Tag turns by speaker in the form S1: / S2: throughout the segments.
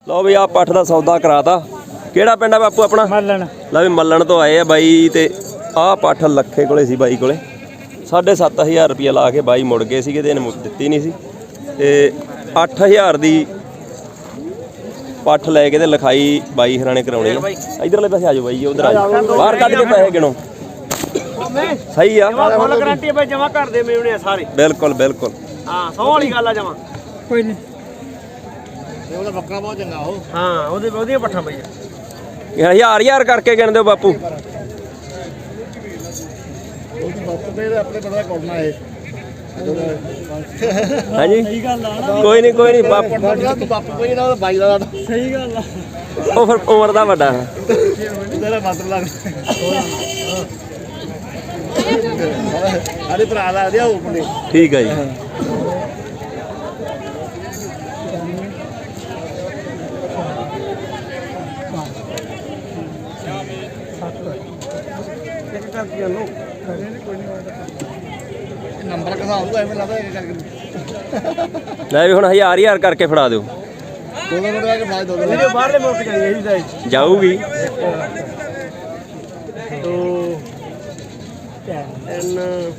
S1: लो भी आ पठ का सौदा कराता। किहड़ा पिंड है बापू अपना?
S2: मल्लन।
S1: लो भी मल्लन तो आए आ बाई ते आ पठ लखे कोले सी बाई कोले 7,500 रुपया ला के बाई मुड़ गए सीगे ते इहने दित्ती नहीं सी ते 8,000 दी पठ लैके ते लिखाई बाई हराने कराउणी है। इधरले पासे आ जाओ बाई उधर आ जाओ बाहर कढ के पैसे गिनो। सही आ
S2: फुल गारंटी है भाई जमा कर दे मेवणे सारे।
S1: बिल्कुल बिल्कुल
S2: हां 100 वाली गल आ जमा कोई नहीं
S3: ਇਹ ਉਹਦਾ ਬੱਕਰਾ ਬਹੁਤ ਚੰਗਾ ਉਹ।
S2: हां ਉਹਦੀਆਂ ਪੱਠਾਂ ਬਈ
S1: 1000 करके गिन दो बापू।
S3: ਉਹਦੀ ਬੱਕਰੇ ਦੇ ਆਪਣੇ ਬੜਾ ਕਰਨਾ ਹੈ।
S1: हाँ जी
S2: सही गल आ ना।
S1: कोई नहीं बापू
S3: ਤੂੰ ਬਾਪੂ ਕੋਈ ਨਾ ਬਾਈ ਦਾ
S2: सही गल आ
S1: ਉਹ ਫਿਰ ਉਮਰ ਦਾ ਵੱਡਾ ਹੈ।
S3: ਤੇਰਾ ਮਤਲਬ ਲੱਗ ਅਰੇ ਭਰਾ ਲਾ ਦਿਆ ਉਹ ਮੁੰਡੇ।
S1: ठीक है जी
S3: ਨੰਬਰ ਕਿਹਦਾ ਆਊਗਾ ਐਵੇਂ ਲੱਗਦਾ ਇਹ ਕਰਕੇ
S1: ਲੈ ਵੀ ਹੁਣ 1000 करके ਫੜਾ ਦਿਓ।
S3: ਦੋ ਮਿੰਟ ਆ ਕੇ ਫਾਇਦਾ ਦੋ
S2: ਵੀਡੀਓ ਬਾਹਰਲੇ ਮੁਲਕ ਜਾਈ ਇਹਦੀ ਦਾ
S1: ਜਾਊਗੀ
S2: 2 3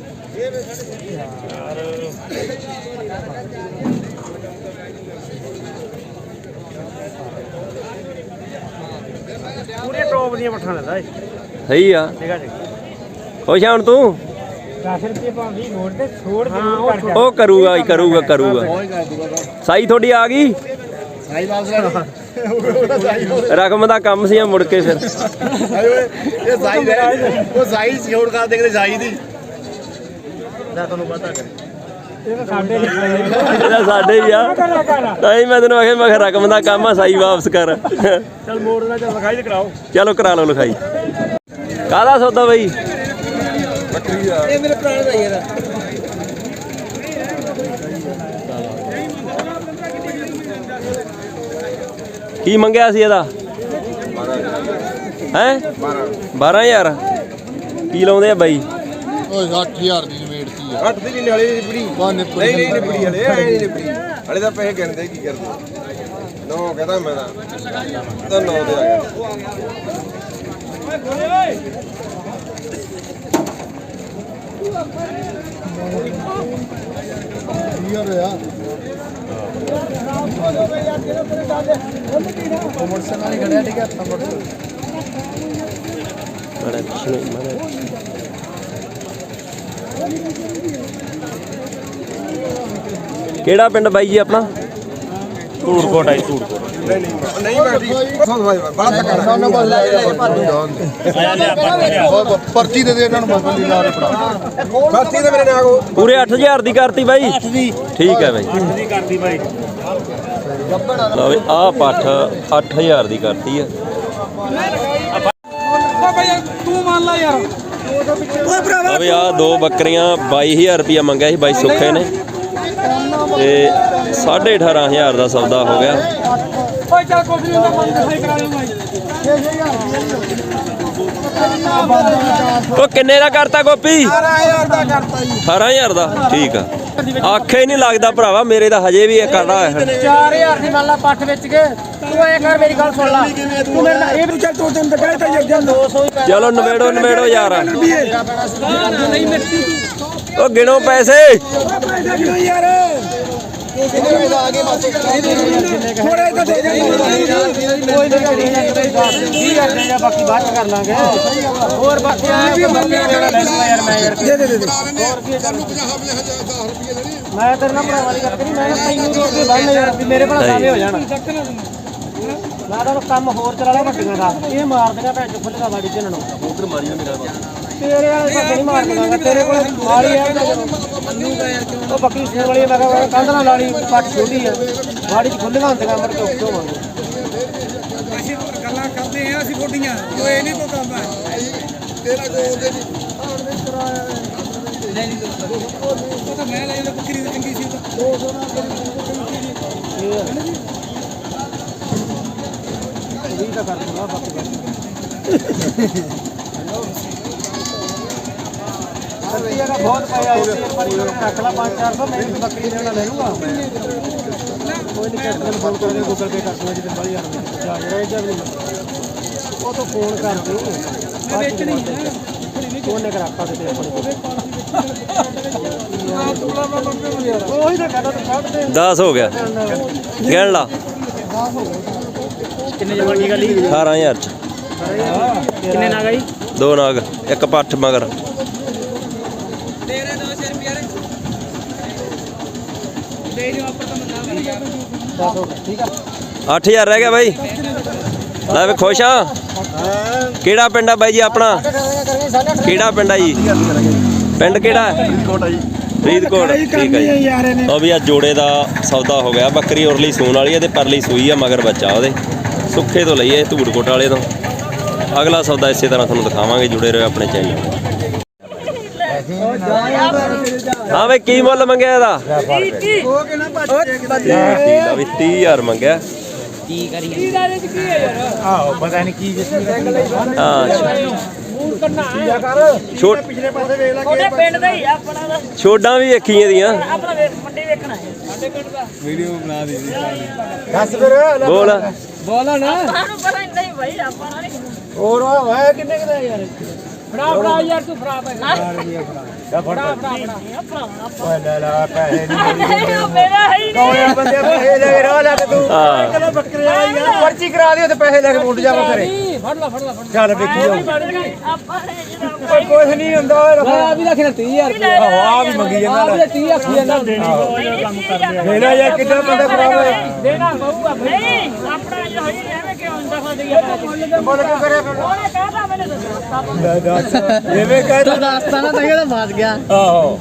S2: ਪੂਰੇ ਟੌਪ ਦੀਆਂ ਪੱਠਾਂ ਲੈਂਦਾ ਏ।
S1: ਸਹੀ ਆ
S2: ਠੀਕ ਆ ਜੀ
S1: ਖੁਸ਼ ਆ ਹੁਣ ਤੂੰ?
S2: 10 ਰੁਪਏ ਭਾਵੇਂ ਮੋੜ ਤੇ ਛੋੜ ਦੇ
S1: ਉਹ ਕਰੂਗਾ ਹੀ ਕਰੂਗਾ
S3: ਬਹੁਤ ਕਰ ਦੂਗਾ
S1: ਸਾਈ ਤੁਹਾਡੀ ਆ ਗਈ
S3: ਸਾਈ ਵਾਪਸ ਲੈ ਉਹਦਾ ਸਾਈ
S1: ਰਕਮ ਦਾ ਕੰਮ ਸੀ ਮੁੜ ਕੇ ਫਿਰ
S3: ਇਹ ਸਾਈ ਦੇ ਉਹ ਸਾਈ ਛੋੜ ਕਰ ਦੇ ਸਾਈ ਦੀ
S2: ਦਾ ਤੁਹਾਨੂੰ ਪਤਾ ਕਰੇ ਇਹ ਸਾਡੇ
S1: ਇਹਦਾ ਸਾਡੇ ਵੀ ਆ ਤਾਂ ਹੀ ਮੈਂ ਤੈਨੂੰ ਆਖਿਆ ਮੈਂ ਕਿਹਾ ਰਕਮ ਦਾ ਕੰਮ ਆ ਸਾਈ ਵਾਪਸ ਕਰ।
S2: ਚਲ ਮੋੜ ਦਾ ਚੱਲ ਲਿਖਾਈ ਤੇ ਕਰਾਓ।
S1: ਚਲੋ ਕਰਾ ਲਓ ਲਿਖਾਈ। ਕਾਹਦਾ ਸੌਦਾ ਬਈ?
S2: ਬੱਕਰੀ ਦਾ ਇਹ ਮੇਰੇ ਭਰਾ ਦਾ ਯਾਰ
S1: ਕੀ ਮੰਗਿਆ ਸੀ ਇਹਦਾ? ਹੈ 12,000 ਕੀ ਲਾਉਂਦੇ ਆ ਬਾਈ?
S3: ਓਏ 60,000 ਦੀ ਨਿਬੇੜਤੀ ਆ
S4: 8 ਦੀ ਨਹੀਂ ਵਾਲੀ ਨਿਬੜੀ
S3: ਬਾ
S4: ਨਹੀਂ ਨਿਬੜੀ ਵਾਲੇ ਐ ਨਹੀਂ ਨਿਬੜੀ ਵਾਲੇ ਦਾ ਪੈਸੇ ਗਿਣਦੇ ਕੀ ਕਰਦੇ 9 ਕਹਦਾ ਮੈਂ ਤਾਂ 9 ਦੇ ਆ ਗਿਆ
S3: ਯਾਰ ਆ ਮੋਟਰਸਾਈਕਲ ਨਾਲ ਹੀ ਖੜਿਆ ਠੀਕ ਹੈ
S1: ਮਾੜਾ ਪਿੱਛੇ ਮਾੜਾ ਕਿਹੜਾ ਪਿੰਡ ਬਾਈ ਜੀ ਆਪਣਾ?
S2: ਧੂੜਕੋਟ ਆਈ ਧੂੜਕੋਟ
S4: ਨਹੀਂ ਬੈਠੀ ਬੜਾ ਧੱਕਾ
S3: ਨਾ ਬਸ ਲੈ ਪਰਚੀ ਦੇ ਦੇ ਇਹਨਾਂ ਨੂੰ ਬਸ ਲੀਲਾ ਦੇ ਫੜਾ
S4: ਸਾਥੀ ਦੇ ਮੇਰੇ ਨਾਲ ਕੋ
S1: ਪੂਰੇ 8,000 ਦੀ ਕਰਤੀ ਬਾਈ?
S2: 8 ਦੀ
S1: ਠੀਕ ਹੈ ਬਾਈ।
S2: 8 ਦੀ ਕਰਦੀ ਬਾਈ
S1: ਲਓ ਵੀ ਆਹ ਪੱਠ 8,000 ਦੀ ਕਰਤੀ ਆ।
S2: ਤੂੰ ਮੰਨ ਲੈ ਯਾਰ
S1: ਲਓ ਵੀ ਆਹ ਦੋ ਬੱਕਰੀਆਂ 22,000 ਰੁਪਇਆ ਮੰਗਿਆ ਸੀ ਬਾਈ ਸੁੱਖੇ ਨੇ ਤੇ 18,500 ਦਾ ਸੌਦਾ ਹੋ ਗਿਆ।
S2: ਓਏ ਚੱਲ ਕੁਝ ਨਹੀਂ ਹੁੰਦਾ ਬੰਦ ਸਹੀ ਕਰਾ ਲੂੰ ਬਾਈ
S1: ਉਹ ਕਿੰਨੇ ਦਾ ਕਰਤਾ ਗੋਪੀ?
S2: 18000 ਦਾ ਕਰਤਾ ਜੀ
S1: 18,000 ਦਾ ਠੀਕ ਆ। ਆਖੇ ਨਹੀਂ ਲੱਗਦਾ ਭਰਾਵਾ ਮੇਰੇ ਦਾ ਹਜੇ ਵੀ ਇਹ ਕਰਦਾ ਹੈ।
S2: 4000 ਦੀ ਮੰਨ ਲਾ ਪੱਠ ਵਿੱਚ ਕੇ ਤੂੰ ਇਹ ਕਰ ਮੇਰੀ ਗੱਲ ਸੁਣ ਲੈ ਤੂੰ ਮੇਰੇ ਨਾਲ ਇਹ ਵੀ ਚੱਲ ਤੂੰ ਤੈਨੂੰ ਕਹਿ ਤਾ ਯਾਰ 200
S1: ਚਲੋ ਨਵੇੜੋ ਯਾਰ।
S2: ਨਹੀਂ ਮਿੱਟੀ
S1: ਉਹ ਗਿਣੋ ਪੈਸੇ।
S2: ਯਾਰ ਥੋੜੇ ਤਾਂ ਦੇ ਦੇ ਕੋਈ ਨਹੀਂ ਕਰਦੇ ਜਾਂ ਬਾਕੀ ਬਾਅਦ ਚ ਕਰ ਲਾਂਗੇ ਹੋਰ ਬਾਕੀ ਵੀ ਬੰਦੇ ਜਿਹੜਾ ਲੈ ਲੂਗਾ ਯਾਰ ਮੈਂ ਯਾਰ ਦੇ ਹੋਰ ਕੀ ਮੈਂ ਤੇਰੇ ਨਾਲ ਭਰਾਵਾਂ ਦੀ ਗੱਲ ਕਰੀ ਮੈਂ ਤੈਨੂੰ ਰੋਕ ਕੇ ਬੰਨ ਯਾਰ ਵੀ ਮੇਰੇ ਭਰਾ ਸਾਵੇਂ ਹੋ ਜਾਣ ਮੈਂ ਤਾਂ ਕੰਮ ਹੋਰ ਚਲਾ ਲਿਆ ਵੱਡੀਆਂ ਦਾ ਇਹ ਮਾਰ ਦੇਣਾ ਭੈਣ ਚੁੱਪ ਲਗਾ ਵਾੜੀ ਚ ਨੂੰ ਉਧਰ ਮਾਰੀਓ ਮੇਰਾ ਤੇਰੇ ਵਾਲੇ ਤਾਂ ਨਹੀਂ ਮਾਰ ਲਵਾਂਗਾ ਤੇਰੇ ਕੋਲ ਮਾਰੀ ਹੈ ਉਹ ਬੱਕਰੀ ਸੂਣ ਵਾਲੀ ਮੈਂ ਕਿਹਾ ਕੰਧ ਨਾਲ ਲਾਣੀ ਪੱਟ ਛੋਟੀ ਆ ਵਾੜੀ ਚ ਖੁੱਲੀਆਂ ਹੁੰਦੀਆਂ ਮਰ ਕੇ ਉੱਤੋਂ ਮੰਗੋ ਅਸੀਂ ਗੱਲਾਂ ਕਰਦੇ ਆ ਅਸੀਂ ਗੋਡੀਆਂ ਜੋ ਇਹ ਨਹੀਂ ਕੋਈ ਕੰਮ ਹੈ ਤੇਰਾ ਕੋਈ ਉਹਦੇ ਨਹੀਂ ਉਹ ਤਾਂ ਮੈਂ ਲੈ ਜਾਂਦਾ ਬੱਕਰੀ ਦੀ ਚੰਗੀ ਸੀ 200 ਨਾਲ ਇਹ ਤਾਂ ਕਰ ਦੂੰਗਾ ਬਾਕੀ बहुत पाया है पर रख ला 500-400 मैं बकरी लेना ले लूंगा ਕੋਈ ਨਹੀਂ ਕਿਸ ਫੋਨ ਕਰਦੇ ਗੂਗਲ ਪੇ ਕਰ ਦੂੰਗਾ ਜਿੱਦ ਬਾਲੀ ਯਾਰ ਜਾ ਰਿਹਾ ਜਾਂ ਨਹੀਂ ਉਹ ਤਾਂ ਫੋਨ ਕਰਦੇ ਉਹਨੇ ਕਰਾਤਾ ਤੇ ਆਪਣੇ ਉਹੀ ਤਾਂ ਕਹਿੰਦਾ ਤੂੰ ਕੱਢ ਦੇ
S1: 10 ਹੋ ਗਿਆ ਗਿਣ ਲਾ
S2: ਕਿੰਨੇ ਜਮਾ ਕੀ ਗੱਲ
S1: 18000 ਚ
S2: ਕਿੰਨੇ ਨਾ ਗਈ
S1: 2 ਨਾਗ ਇੱਕ ਪੱਠ ਮਗਰ
S2: ਠੀਕ ਆ
S1: 8000 ਰਹਿ ਗਿਆ ਬਾਈ ਲੈ ਵੇ ਖੁਸ਼ ਆ ਕਿਹੜਾ ਪਿੰਡ ਆ ਬਾਈ ਜੀ ਆਪਣਾ ਕਿਹੜਾ ਪਿੰਡ ਆ ਜੀ ਪਿੰਡ ਕਿਹੜਾ ਹੈ ਫਰੀਦਕੋਟ ਠੀਕ ਹੈ ਜੀ ਉਹ ਵੀ ਆ ਜੋੜੇ ਦਾ ਸੌਦਾ ਹੋ ਗਿਆ ਬੱਕਰੀ ਉਰਲੀ ਸੂਣ ਵਾਲੀ ਹੈ ਤੇ ਪਰਲੀ ਸੂਈ ਆ ਮਗਰ ਬੱਚਾ ਉਹਦੇ ਸੁੱਖੇ ਤੋਂ ਲਈਏ ਧੂੜਕੋਟ ਵਾਲੇ ਤੋਂ ਅਗਲਾ ਸੌਦਾ ਇਸੇ ਤਰ੍ਹਾਂ ਤੁਹਾਨੂੰ ਦਿਖਾਵਾਂਗੇ ਜੁੜੇ ਰਹੋ ਆਪਣੇ ਚੈਨਲ ਹਾਂ ਵੇ ਕੀ ਮੁੱਲ ਮੰਗਿਆ ਇਹਦਾ
S2: ਉਹ ਕਿੰਨਾ
S1: ਵੀ 30000 ਮੰਗਿਆ
S2: ਕੀ ਕਰੀਏ ਆਹੋ ਪਤਾ ਨਹੀਂ ਕੀ
S1: ਹਾਂ ਛੋਟ
S2: ਪਿਛਲੇ ਪਾਸੇ ਵੇਖ ਲੈ
S5: ਤੁਹਾਡੇ ਪਿੰਡ ਦਾ ਹੀ ਆ ਆਪਣਾ ਦਾ
S1: ਛੋਡਾਂ ਵੀ ਵੇਖੀਆਂ ਦੀਆਂ
S5: ਆਪਣਾ ਮੰਡੀ ਵੇਖਣਾ ਹੈ ਸਾਡੇ ਪਿੰਡ ਦਾ
S2: ਦੱਸ ਫਿਰ
S1: ਬੋਲ
S2: ਬੋਲਾ ਨਾ
S5: ਸਾਨੂੰ ਪਤਾ ਨਹੀਂ ਭਾਈ ਆਪਾਂ ਨਾਲ
S2: ਹੋਰ ਵਾ ਕਿੰਨੇ ਕਿਦਾ ਯਾਰ
S5: ਫੜਾ ਯਾਰ ਤੂੰ ਫੜਾ ਪੈ ਫੜਾ
S2: ਓਏ ਲੈ ਲੈ ਪੈਸੇ ਨਹੀਂ
S5: ਮੇਰਾ ਹੈ ਹੀ ਨਹੀਂ
S2: ਕੌਣੇ ਬੰਦੇ ਪੈਸੇ ਲੈ ਕੇ ਰਾਹ ਲੈ ਕੇ ਤੂੰ
S1: ਹਾਂ
S2: ਚਲੋ ਬੱਕਰੇ ਵਾਲਾ ਯਾਰ ਪਰਚੀ ਕਰਾ ਦਿਓ ਤੇ ਪੈਸੇ ਲੈ ਕੇ ਮੁੰਡ ਜਾ ਬੱਕਰੇ
S5: ਫੜ ਲਾ
S2: ਚੱਲ ਵੇਖੀ ਜਾਓ
S5: ਆਪਾਂ ਨੇ ਜਿਹੜਾ
S2: ਕੁਝ ਨਹੀਂ ਹੁੰਦਾ ਆ ਵੀ ਰੱਖਣਾ 30000 ਆਹੋ ਆ ਵੀ ਮੰਗੀ ਜਾਂਦਾ ਆ ਵੀ 30 ਆਖੀ ਜਾਂਦਾ
S5: ਕੰਮ ਕਰਦੇ
S2: ਦੇਣਾ ਯਾਰ ਕਿੱਦਾਂ ਬੰਦਾ ਖਰਾਬ ਹੋਇਆ
S5: ਦੇਣਾ ਪਊਗਾ ਨਹੀਂ ਆਪਣਾ ਜੋ ਹੋਈ ਐਵੇਂ ਕਿਉਂ ਹੁੰਦਾ ਫਸਦੀ
S2: ਬੋਲ ਕੇ ਕਰਿਆ ਫਿਰ
S5: ਉਹਨੇ ਕਹਤਾ ਮੈਨੂੰ ਦੱਸਤਾ
S2: ਜਿਵੇਂ ਕਹਿ ਤਾ ਦੱਸਤਾ ਨਾ ਤਾਂ ਕਿਹੜਾ ਫਸ ਗਿਆ ਆਹੋ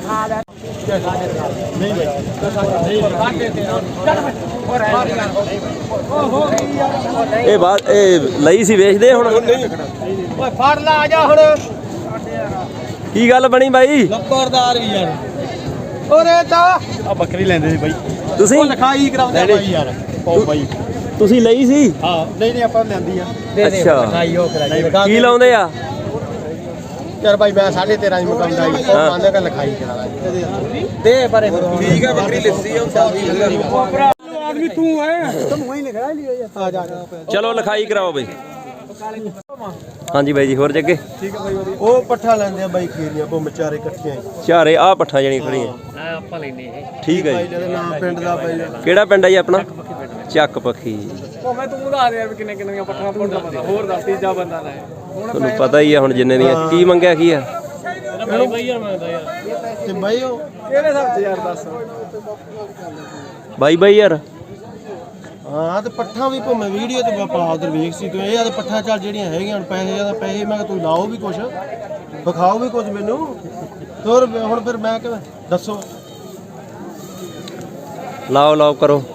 S1: ਇਹ ਬਾਤ ਇਹ ਲਈ ਸੀ ਵੇਚਦੇ ਹੁਣ
S2: ਓਏ ਫੜ ਲਾ ਆ ਜਾ ਹੁਣ
S1: ਕੀ ਗੱਲ ਬਣੀ ਬਾਈ
S2: ਨੰਬਰਦਾਰ ਵੀ ਯਾਰ ਓਰੇ ਤਾਂ ਆ ਬੱਕਰੀ ਲੈਂਦੇ ਸੀ ਬਾਈ
S1: ਤੁਸੀਂ
S2: ਲਿਖਾਈ ਕਰਾਉਂਦੇ ਬਾਈ ਯਾਰ ਪਾਉ ਬਾਈ
S1: ਤੁਸੀਂ ਲਈ ਸੀ
S2: ਹਾਂ ਨਹੀਂ ਆਪਾਂ ਲੈਂਦੀ ਆ
S1: ਅੱਛਾ
S2: ਲਿਖਾਈ ਉਹ ਕਰਾਈ
S1: ਕੀ ਲਾਉਂਦੇ ਆ
S2: ਯਾਰ ਬਾਈ ਮੈਂ 13.5 ਦੀ ਮੁਕਾਉਂਦਾ ਹੀ ਉਹ ਮੰਨਦੇ ਕਿ ਲਿਖਾਈ ਕਰਾ ਦੇ ਪਰੇ
S4: ਠੀਕ ਹੈ ਬੱਕਰੀ ਲਿੱਸੀ ਆ
S2: ਆਦਮੀ ਤੂੰ ਹੈ ਤੂੰ ਵਹੀਂ ਲਿਖਾ ਲਿਆ ਯਾਰ ਆ ਜਾ
S1: ਚਲੋ ਲਿਖਾਈ ਕਰਾਓ ਬਈ ਹਾਂਜੀ ਬਾਈ ਜੀ ਹੋਰ ਜੱਗੇ
S2: ਠੀਕ ਹੈ ਬਾਈ ਉਹ ਪੱਠਾ ਲੈਂਦੇ ਆ ਬਾਈ ਖੀਰੀਆਂ ਉਹ ਵਿਚਾਰੇ ਇਕੱਠੀਆਂ
S1: ਚਾਰੇ ਆ ਪੱਠਾ ਜਣੀ ਖੜੀਆਂ
S5: ਆਪਾਂ ਲੈਨੇ ਇਹ
S1: ਠੀਕ ਹੈ ਜੀ
S2: ਇਹਦਾ ਨਾਮ ਪਿੰਡ ਦਾ ਬਾਈ
S1: ਕਿਹੜਾ ਪਿੰਡ ਹੈ ਜੀ ਆਪਣਾ ਚੱਕ ਪੱਖੀ
S2: ਭਾਵੇਂ ਤੂੰ ਦੱਸ ਦੇ ਯਾਰ ਕਿੰਨੇ ਕਿੰਨੀਆਂ ਪੱਠਾਂ ਤੁਹਾਡਾ ਬੰਦਾ ਹੋਰ ਦੱਸ ਤੀਜਾ ਬੰਦਾ ਲੈ
S1: ਤੁਹਾਨੂੰ ਪਤਾ ਹੀ ਆ ਹੁਣ ਜਿੰਨੇ ਦੀਆਂ ਕੀ ਮੰਗਿਆ ਕੀ ਆ
S5: ਬਾਈ ਯਾਰ ਮੈਂ ਯਾਰ
S2: ਤੇ ਬਾਈ ਉਹ ਕਿਹੜੇ ਹਿਸਾਬ ਤੇ ਯਾਰ ਦੱਸ
S1: ਬਾਈ ਯਾਰ
S2: ਹਾਂ ਤੇ ਪੱਠਾਂ ਵੀ ਭਾਵੇਂ ਵੀਡੀਓ ਤੇ ਬਾਪਾ ਉਧਰ ਵੇਖ ਸੀ ਤੂੰ ਇਹ ਆ ਤੇ ਪੱਠਾਂ ਚੱਲ ਜਿਹੜੀਆਂ ਹੈਗੀਆਂ ਹੁਣ ਪੈਸੇ ਜਾਂ ਪੈਸੇ ਮੈਂ ਕਿਹਾ ਤੂੰ ਲਾਓ ਵੀ ਕੁਛ ਵਿਖਾਓ ਵੀ ਕੁਝ ਮੈਨੂੰ ਹੋਰ ਹੁਣ ਫਿਰ ਮੈਂ ਕਿਵੇਂ ਦੱਸੋ
S1: ਲਾਓ ਕਰੋ